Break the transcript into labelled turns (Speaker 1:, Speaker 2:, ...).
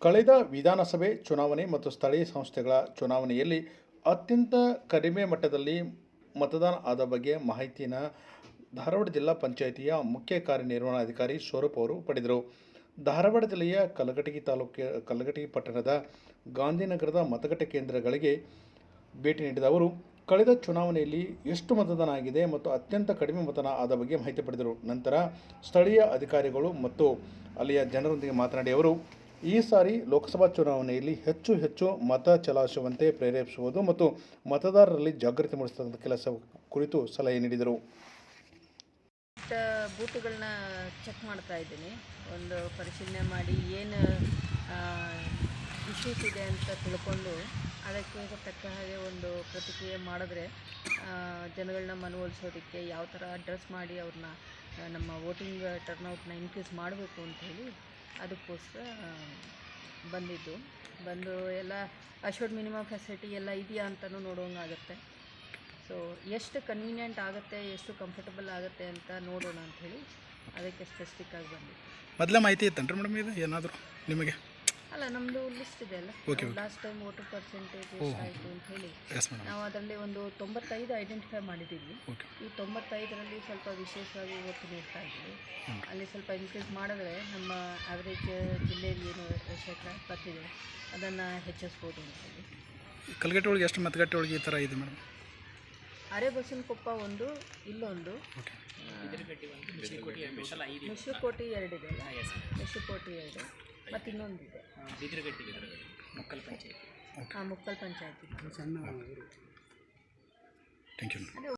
Speaker 1: ಕಳೆದ ವಿಧಾನಸಭೆ ಚುನಾವಣೆ ಮತ್ತು ಸ್ಥಳೀಯ ಸಂಸ್ಥೆಗಳ ಚುನಾವಣೆಯಲ್ಲಿ ಅತ್ಯಂತ ಕಡಿಮೆ ಮಟ್ಟದಲ್ಲಿ ಮತದಾನ ಆದ ಬಗ್ಗೆ ಮಾಹಿತಿಯನ್ನು ಧಾರವಾಡ ಜಿಲ್ಲಾ ಪಂಚಾಯಿತಿಯ ಮುಖ್ಯ ಕಾರ್ಯನಿರ್ವಹಣಾಧಿಕಾರಿ ಸ್ವರೂಪ್ ಅವರು ಪಡೆದರು. ಧಾರವಾಡ ಜಿಲ್ಲೆಯ ಕಲಘಟಗಿ ಪಟ್ಟಣದ ಗಾಂಧಿನಗರದ ಮತಗಟ್ಟೆ ಕೇಂದ್ರಗಳಿಗೆ ಭೇಟಿ ನೀಡಿದ ಅವರು ಕಳೆದ ಚುನಾವಣೆಯಲ್ಲಿ ಎಷ್ಟು ಮತದಾನ ಆಗಿದೆ ಮತ್ತು ಅತ್ಯಂತ ಕಡಿಮೆ ಮತದಾನ ಆದ ಬಗ್ಗೆ ಮಾಹಿತಿ ಪಡೆದರು. ನಂತರ ಸ್ಥಳೀಯ ಅಧಿಕಾರಿಗಳು ಮತ್ತು ಅಲ್ಲಿಯ ಜನರೊಂದಿಗೆ ಮಾತನಾಡಿ ಅವರು ಈ ಸಾರಿ ಲೋಕಸಭಾ ಚುನಾವಣೆಯಲ್ಲಿ ಹೆಚ್ಚು ಮತ ಚಲಾಯಿಸುವಂತೆ ಪ್ರೇರೇಪಿಸುವುದು ಮತ್ತು ಮತದಾರರಲ್ಲಿ ಜಾಗೃತಿ ಮೂಡಿಸುವಂಥ ಕೆಲಸ ಕುರಿತು ಸಲಹೆ ನೀಡಿದರು.
Speaker 2: ಬೂತುಗಳನ್ನ ಚೆಕ್ ಮಾಡ್ತಾ ಇದ್ದೀನಿ. ಒಂದು ಪರಿಶೀಲನೆ ಮಾಡಿ ಏನು ಇಶ್ಯೂಸ್ ಇದೆ ಅಂತ ತಿಳ್ಕೊಂಡು ಅದಕ್ಕೆ ತಕ್ಕ ಹಾಗೆ ಒಂದು ಪ್ರತಿಕ್ರಿಯೆ ಮಾಡಿದ್ರೆ ಜನಗಳನ್ನ ಮನವೊಲಿಸೋದಕ್ಕೆ ಯಾವ ಥರ ಅಡ್ರೆಸ್ ಮಾಡಿ ಅವ್ರನ್ನ ನಮ್ಮ ವೋಟಿಂಗ್ ಟರ್ನೌಟ್ನ ಇನ್ಕ್ರೀಸ್ ಮಾಡಬೇಕು ಅಂಥೇಳಿ ಅದಕ್ಕೋಸ್ಕರ ಬಂದು ಎಲ್ಲ ಅಶ್ಯೂರ್ಡ್ ಮಿನಿಮಮ್ ಫೆಸಿಲಿಟಿ ಎಲ್ಲ ಇದೆಯಾ ಅಂತಲೂ ನೋಡೋಂಗಾಗುತ್ತೆ. ಸೊ ಎಷ್ಟು ಕನ್ವೀನಿಯೆಂಟ್ ಆಗುತ್ತೆ, ಎಷ್ಟು ಕಂಫರ್ಟಬಲ್ ಆಗುತ್ತೆ ಅಂತ ನೋಡೋಣ ಅಂಥೇಳಿ ಅದಕ್ಕೆ ಸ್ಪೆಸಿಫಿಕ್ ಆಗಿ ಬಂದಿತ್ತು.
Speaker 3: ಮೊದಲೇ ಮಾಹಿತಿ ಇತ್ತೇನ್ರಿ ಮೇಡಮ್ ಇದು ಏನಾದರೂ ನಿಮಗೆ?
Speaker 2: ಅಲ್ಲ, ನಮ್ಮದು ಲಿಸ್ಟ್ ಇದೆ ಅಲ್ಲ, ಲಾಸ್ಟ್ ಟೈಮ್ ವೋಟರ್ ಪರ್ಸೆಂಟೇಜ್ ಎಷ್ಟಾಯಿತು ಅಂತ ಹೇಳಿ ನಾವು ಅದರಲ್ಲಿ ಒಂದು 95 ಐಡೆಂಟಿಫೈ ಮಾಡಿದ್ದೀವಿ. ಈ 95ರಲ್ಲಿ ಸ್ವಲ್ಪ ವಿಶೇಷವಾಗಿ ಒತ್ತು ನೀಡ್ತಾ ಇದ್ದೀವಿ. ಅಲ್ಲಿ ಸ್ವಲ್ಪ ಇನ್ಕ್ರೀಸ್ ಮಾಡಿದ್ರೆ ನಮ್ಮ ಆವ್ರೇಜ್ ಜಿಲ್ಲೆಯಲ್ಲಿ ಏನು ಶೇಕಡ ಬರ್ತಿದೆ ಅದನ್ನು ಹೆಚ್ಚಿಸ್ಬೋದು ಅಂತ ಹೇಳಿ.
Speaker 3: ಕಲಘಟಗಿ ಒಳಗೆ ಎಷ್ಟು ಮತಗಟ್ಟೆ ಒಳಗೆ ಈ ಥರ ಇದೆ ಮೇಡಮ್?
Speaker 2: ಅರೆಬಸವನಕೊಪ್ಪ ಒಂದು, ಇಲ್ಲೊಂದು, ಮೆಶುಕೋಟಿ 2 ಇದೆ ಅಲ್ಲ, ಮೆಶುಕೋಟಿ 2 ಮತ್ತು ಇನ್ನೊಂದಿದೆ ಮುಕ್ಕಲ್ ಪಂಚಾಯತಿ.
Speaker 3: Thank you.